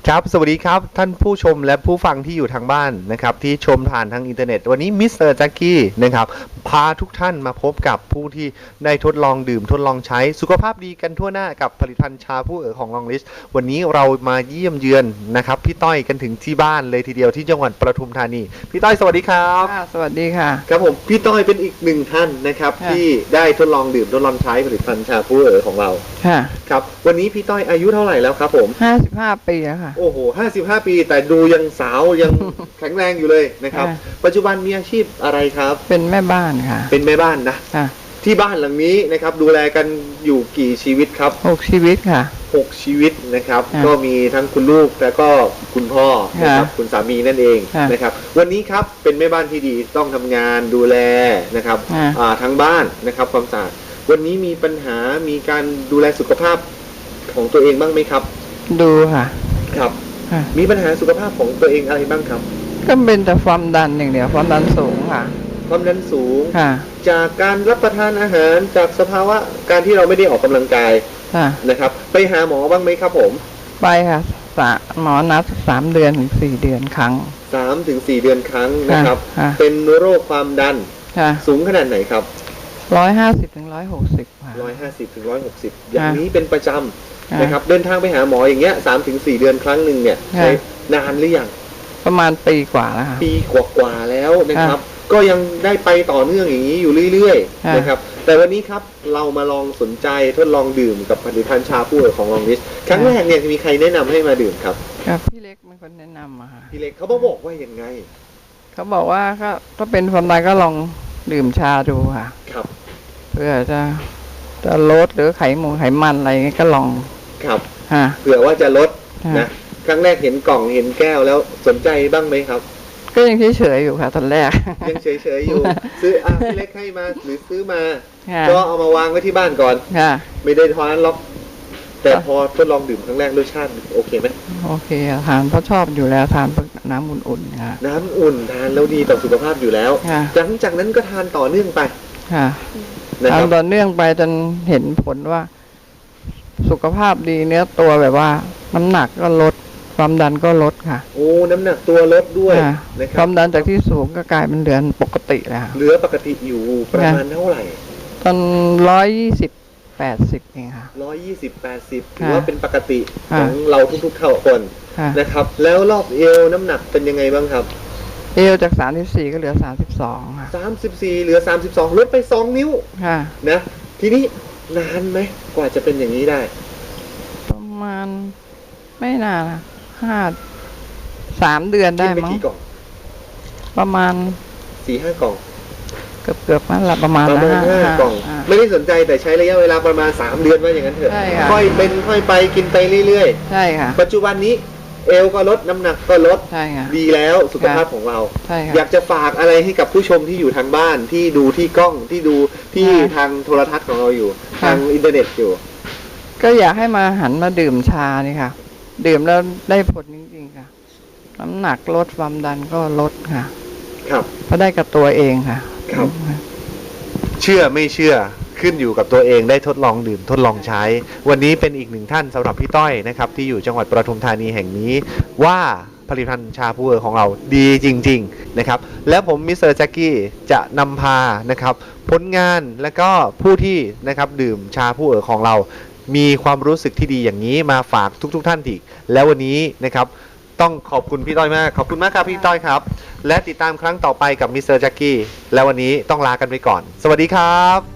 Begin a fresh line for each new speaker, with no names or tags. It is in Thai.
ครับสวัสดีครับท่านผู้ชมและผู้ฟังที่อยู่ทางบ้านนะครับที่ชมผ่านทางอินเทอร์เน็ตวันนี้มิสเตอร์แจ็คกี้นะครับพาทุกท่านมาพบกับผู้ที่ได้ทดลองดื่มทดลองใช้สุขภาพดีกันทั่วหน้ากับผลิตภัณฑ์ชาผู้ของลองลิสวันนี้เรามาเยี่ยมเยือนนะครับพี่ต้อยกันถึงที่บ้านเลยทีเดียวที่จังหวัดปทุมธานีพี่ต้อยสวัสดีครับ
สวัสดีค่ะ
ครับผมพี่ต้อยเป็นอีกหนึ่งท่านนะครับที่ได้ทดลองดื่มทดลองใช้ผลิตภัณฑ์ชาผู้ของเราครับวันนี้พี่ต้อยอายุเท่าไหร่แล้วครับผม
55 ปีแล้วค่ะ
โอ้โห55 ปีแต่ดูยังสาวยังแข็งแรงอยู่เลยนะครับปัจจุบันมีอาชีพอะไรครับ
เป็นแม่บ้านค่ะ
เป็นแม่บ้านนะที่บ้านหลังนี้นะครับดูแลกันอยู่กี่ชีวิตครับ
6 ชีวิตค่ะ
6 ชีวิตนะครับก็มีทั้งคุณลูกและก็คุณพ่อนะครับคุณสามีนั่นเองนะครับวันนี้ครับเป็นแม่บ้านที่ดีต้องทำงานดูแลนะครับทั้งบ้านนะครับความสะอาดวันนี้มีปัญหามีการดูแลสุขภาพของตัวเองบ้างไหมครับ
ดูค่ะ
ครับมีปัญหาสุขภาพของตัวเองอะไรบ้างครับ
ก็เป็นแต่ความดันอย่างเดียวความดันสูงค่ะ
ความดันสูงจากการรับประทานอาหารจากสภาวะการที่เราไม่ได้ออกกำลังกายนะครับไปหาหมอบ้างไหมครับผม
ไปค่ะหมอนัด3 เดือนถึง 4 เดือนครั้ง
3 ถึง 4 เดือนครั้งนะครับเป็นโรคความดันสูงขนาดไหนครับ
150 ถึง 160ค่ะ
150 ถึง 160อย่างนี้เป็นประจำนะครับเดินทางไปหาหมออย่างเงี้ย3 ถึง 4 เดือนครั้งหนึ่งเนี่ยใช้นานหรือยัง
ประมาณปีกว่าแล้วค่ะ
ปีกว่าแล้วนะครับก็ยังได้ไปต่อเนื่องอย่างนี้อยู่เรื่อยๆนะครับแต่วันนี้ครับเรามาลองสนใจทดลองดื่มกับผลิตภัณฑ์ชาผู้ของลองลิสครั้งแรกเนี่ยมีใครแนะนำให้มาดื่มครับ
พี่เล็กเป็นคนแนะนำอะค่ะ
พี่เล็กเขาบอกว่ายังไง
เขาบอกว่าก็เป็นความดันก็ลองดื่มชาดูค่ะ
ครับ
เพื่อจะลดหรือไขมันอะไรเงี้ยก็ลอง
ครับเผื่อว่าจะลดนะครั้งแรกเห็นกล่องเห็นแก้วแล้วสนใจบ้างไหมครับ
ก็ยังเฉยๆอยู่ค่ะตอนแรก
ยังเฉยๆอยู่ซื้อพี่เล็กให้มาหรือซื้อมาก็เอามาวางไว้ที่บ้านก่อนไม่ได้ทานล็อกแต่พอทดลองดื่มครั้งแรกรสชาติโอเคไหม
โอเคทานเพราะชอบอยู่แล้วทานน้ำอุ่นๆค่ะ
น้ำอุ่นทานแล้วดีต่อสุขภาพอยู่แล้วหลังจากนั้นก็ทานต่อเนื่องไป
ทานต่อเนื่องไปจนเห็นผลว่าสุขภาพดีเนื้อตัวแบบว่าน้ำหนักก็ลดความดันก็ลดค่ะ
โอ้น้ำหนักตัวลดด้วยนะครับ
ความดันจากที่สูงก็กลายเป็นเหลือปกติแล้ว
เหลือปกติอยู่ประมาณเท่าไหร่
ตอน120/80เองค่ะ
120/80ถือว่าเป็นปกติของเราทุกๆคนนะครับแล้วรอบเอวน้ำหนักเป็นยังไงบ้างครับ
เอวจาก34ก็เหลือ32ค่ะ
34เหลือ32ลดไป2 นิ้วนะทีนี้นานไหมกว่าจะเป็นอย่างนี้ได้
ประมาณไม่นานนะ3 เดือนได้มั้งประมาณ
4-5 กล่อง
เกือบนั่นแหละประมาณ
5 กล่องไม่ได้สนใจแต่ใช้ระยะเวลาประมาณ3 เดือนว่าอย่างนั้นเถอะค่อยเป็นค่อยไปกินไปเรื่อย
ๆใช่ค่ะ
ปัจจุบันนี้เอวก็ลดน้ำหนักก็ลดดีแล้วสุขภาพของเราอยากจะฝากอะไรให้กับผู้ชมที่อยู่ทางบ้านที่ดูที่กล้องที่ดูที่ทางโทรทัศน์ของเราอยู่ทางอินเทอร์เน็ตอยู่
ก็อยากให้มาหันมาดื่มชานี่ค่ะดื่มแล้วได้ผลจริงๆค่ะน้ำหนักลดความดันก็ลดค่ะ
ครับ
เพราะได้กับตัวเองค่ะ
ครับเชื่อไม่เชื่อขึ้นอยู่กับตัวเองได้ทดลองดื่มทดลองใช้วันนี้เป็นอีกหนึ่งท่านสำหรับพี่ต้อยนะครับที่อยู่จังหวัดปทุมธานีแห่งนี้ว่าผลิตภัณฑ์ชาผู้ของเราดีจริงๆนะครับและผมมิสเตอร์แจ็คกี้จะนำพานะครับผลงานและก็ผู้ที่นะครับดื่มชาผู้ของเรามีความรู้สึกที่ดีอย่างนี้มาฝากทุกท่านอีกแล้ววันนี้นะครับต้องขอบคุณพี่ต้อยมากขอบคุณมากครับพี่ต้อยครับและติดตามครั้งต่อไปกับมิสเตอร์แจ็คกี้และวันนี้ต้องลากันไปก่อนสวัสดีครับ